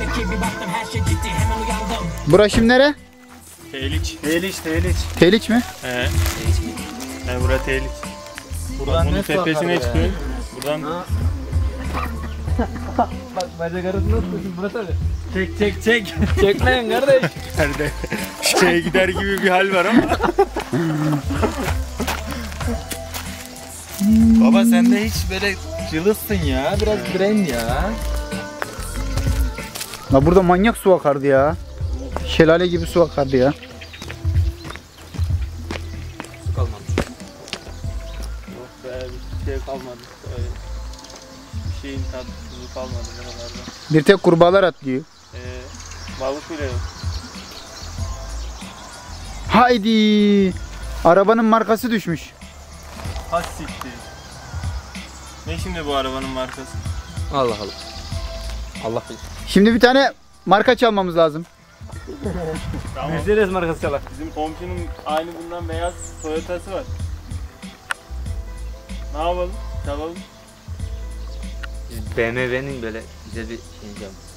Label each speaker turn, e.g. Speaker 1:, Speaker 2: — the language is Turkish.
Speaker 1: Bura şimdi nere?
Speaker 2: Tehliç.
Speaker 1: Teliç mi?
Speaker 2: He. Yani bura tehliç. Buradan bunun tepesine çıkıyorsun. Buradan...
Speaker 3: Bak bacak arasında tutuyorsun Murat abi. Çek. Çekmeyin kardeş.
Speaker 2: Nerede? Şeye gider gibi bir hal var ama.
Speaker 3: Baba sen de hiç böyle cılızsın ya. Biraz diren ya.
Speaker 1: La burada manyak su akardı ya. Şelale gibi su akardı ya.
Speaker 3: Su kalmadı.
Speaker 2: Yok be, bir şey kalmadı. Öyle. Bir şeyin tadı tuzu kalmadı buralarda.
Speaker 1: Bir tek kurbağalar atlıyor.
Speaker 2: Balık bile yok.
Speaker 1: Haydi. Arabanın markası düşmüş.
Speaker 2: Has siktir. Ne şimdi bu arabanın markası?
Speaker 3: Allah. Allah bilir.
Speaker 1: Şimdi bir tane marka çalmamız lazım.
Speaker 2: Tamam.
Speaker 3: Mercedes markası çalar.
Speaker 2: Bizim komşunun aynı bundan beyaz Toyota'sı var. Ne yapalım? Çalalım.
Speaker 3: BMW'nin böyle güzel bir şey yapalım.